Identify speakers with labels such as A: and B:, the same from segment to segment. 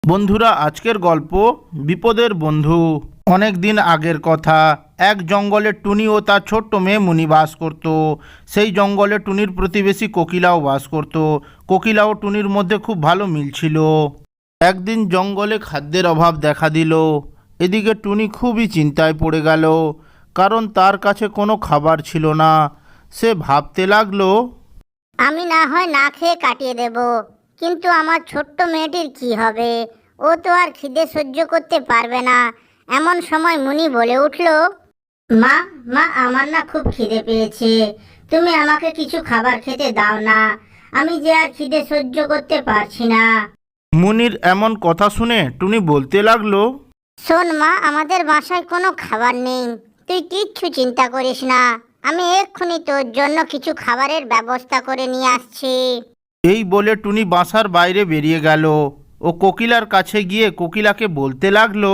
A: বন্ধুরা, আজকের গল্প বিপদের বন্ধু। অনেক দিন আগের কথা। এক জঙ্গলে টুনি ও তার ছোট্ট মেয়ে মুনি বাস করত। সেই জঙ্গলে টুনির প্রতিবেশী কোকিলাও বাস করত। কোকিলা ও টুনির মধ্যে খুব ভালো মিল ছিল। একদিন জঙ্গলে খাদ্যের অভাব দেখা দিল। এদিকে টুনি খুবই চিন্তায় পড়ে গেল, কারণ তার কাছে কোনো খাবার ছিল না। সে ভাবতে লাগলো,
B: আমি না হয় না খেয়ে কাটিয়ে দেব, কিন্তু আমার ছোট্ট মেয়েটির কি হবে? ও তো আর খিদে সহ্য করতে পারবে না। এমন সময় মুনি বলে উঠল, মা মা আমার না খুব খিদে পেয়েছে, তুমি আমাকে কিছু খাবার খেতে দাও না, আমি যে আর খিদে সহ্য করতে পারছি না।
A: মুনির এমন কথা শুনে টুনি বলতে লাগলো,
B: শোন মা, আমাদের বাসায় কোনো খাবার নেই, তুই কিচ্ছু চিন্তা করিস না, আমি এক্ষুনি তোর জন্য কিছু খাবারের ব্যবস্থা করে নিয়ে আসছি।
A: এই বলে টুনি বাসার বাইরে বেরিয়ে গেল ও কোকিলার কাছে গিয়ে কোকিলাকে বলতে লাগলো,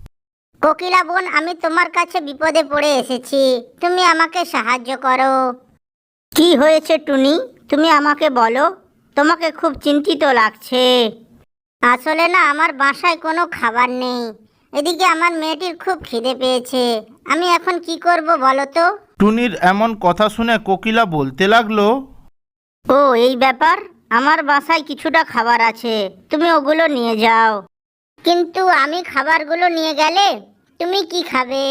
B: কোকিলা বোন, আমি তোমার কাছে বিপদে পড়ে এসেছি, তুমি আমাকে সাহায্য করো। কি হয়েছে টুনি, তুমি আমাকে বলো, তোমাকে খুব চিন্তিত লাগছে। আসলে না, আমার বাসায় কোনো খাবার নেই, এদিকে আমার মেয়েটির খুব খিদে পেয়েছে, আমি এখন কি করব বলো তো?
A: টুনির এমন কথা শুনে কোকিলা বলতে লাগলো,
B: ও এই ব্যাপার, আমার বাসায় কিছুটা খাবার আছে, তুমি ওগুলো নিয়ে যাও। কিন্তু আমি খাবারগুলো নিয়ে গেলে তুমি কি খাবে?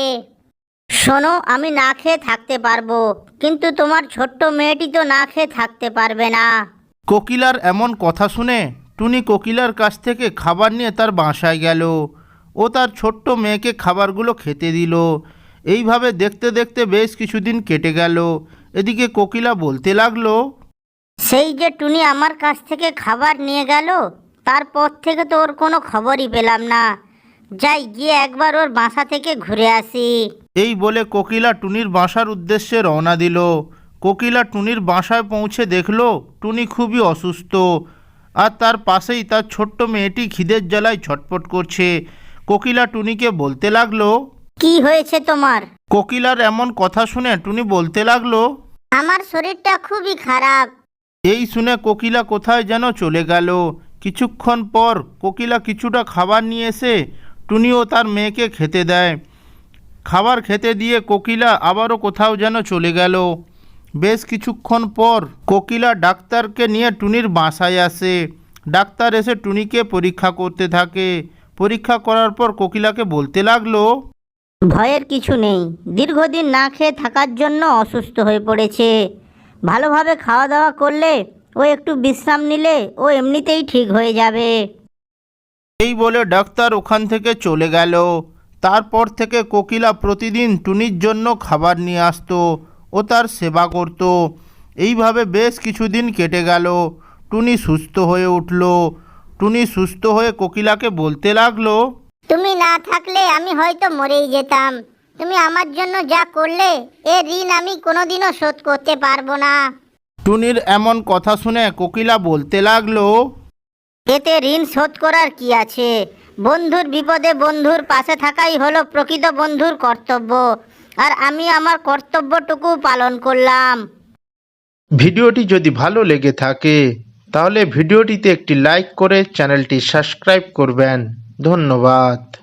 B: শোনো, আমি না খেয়ে থাকতে পারবো, কিন্তু তোমার ছোট্ট মেয়েটি তো না খেয়ে থাকতে পারবে না।
A: কোকিলার এমন কথা শুনে টুনি কোকিলার কাছ থেকে খাবার নিয়ে তার বাসায় গেল ও তার ছোট্ট মেয়েকে খাবারগুলো খেতে দিল। এইভাবে দেখতে দেখতে বেশ কিছুদিন কেটে গেল। এদিকে কোকিলা বলতে লাগলো,
B: সেই যে টুনি আমার কাছ থেকে খাবার নিয়ে গেল, তারপর থেকে তো ওর কোনো খবরই পেলাম না, যাই গিয়ে একবার ওর বাসা থেকে ঘুরে আসি।
A: এই বলে কোকিলা টুনির বাসার উদ্দেশ্যে রওনা দিল। কোকিলা টুনির বাসায় পৌঁছে দেখল টুনি খুবই অসুস্থ, আর তার পাশেই তার ছোট্ট মেয়েটি খিদের জ্বালায় ছটফট করছে। কোকিলা টুনিকে বলতে লাগলো,
B: কি হয়েছে তোমার?
A: কোকিলার এমন কথা শুনে টুনি বলতে লাগলো,
B: আমার শরীরটা খুবই খারাপ।
A: এই শুনে কোকিলা কোথায় যেন চলে গেল। কিছুক্ষণ পর কোকিলা কিছুটা খাবার নিয়ে এসে টুনি ও তার মেয়েকে খেতে দেয়। খাবার খেতে দিয়ে কোকিলা আবারও কোথাও যেন চলে গেল। বেশ কিছুক্ষণ পর কোকিলা ডাক্তারকে নিয়ে টুনির বাসায় আসে। ডাক্তার এসে টুনিকে পরীক্ষা করতে থাকে। পরীক্ষা করার পর কোকিলাকে বলতে লাগলো,
B: ভয়ের কিছু নেই, দীর্ঘদিন না খেয়ে থাকার জন্য অসুস্থ হয়ে পড়েছে, ভালোভাবে খাওয়া দাওয়া করলে ও একটু বিশ্রাম নিলে ও এমনিতেই ঠিক হয়ে যাবে।
A: এই বলে ডাক্তার ওখান থেকে চলে গেল। তারপর থেকে কোকিলা প্রতিদিন টুনির জন্য খাবার নিয়ে আসতো ও তার সেবা করত। এইভাবে বেশ কিছুদিন কেটে গেল। টুনি সুস্থ হয়ে উঠল। টুনি সুস্থ হয়ে কোকিলাকে বলতে লাগলো,
B: তুমি না থাকলে আমি হয়তো মরেই যেতাম, তুমি আমার জন্য যা করলে এর ঋণ আমি কোনোদিনও শোধ করতে পারবো না।
A: টুনির এমন কথা শুনে কোকিলা বলতে লাগলো,
B: এতে ঋণ শোধ করার কি আছে? বন্ধুর বিপদে বন্ধুর পাশে থাকাই হলো প্রকৃত বন্ধুর কর্তব্য, আর আমি আমার কর্তব্যটুকু পালন করলাম।
A: ভিডিওটি যদি ভালো লেগে থাকে তাহলে ভিডিওটিতে একটি লাইক করে চ্যানেলটি সাবস্ক্রাইব করবেন। ধন্যবাদ।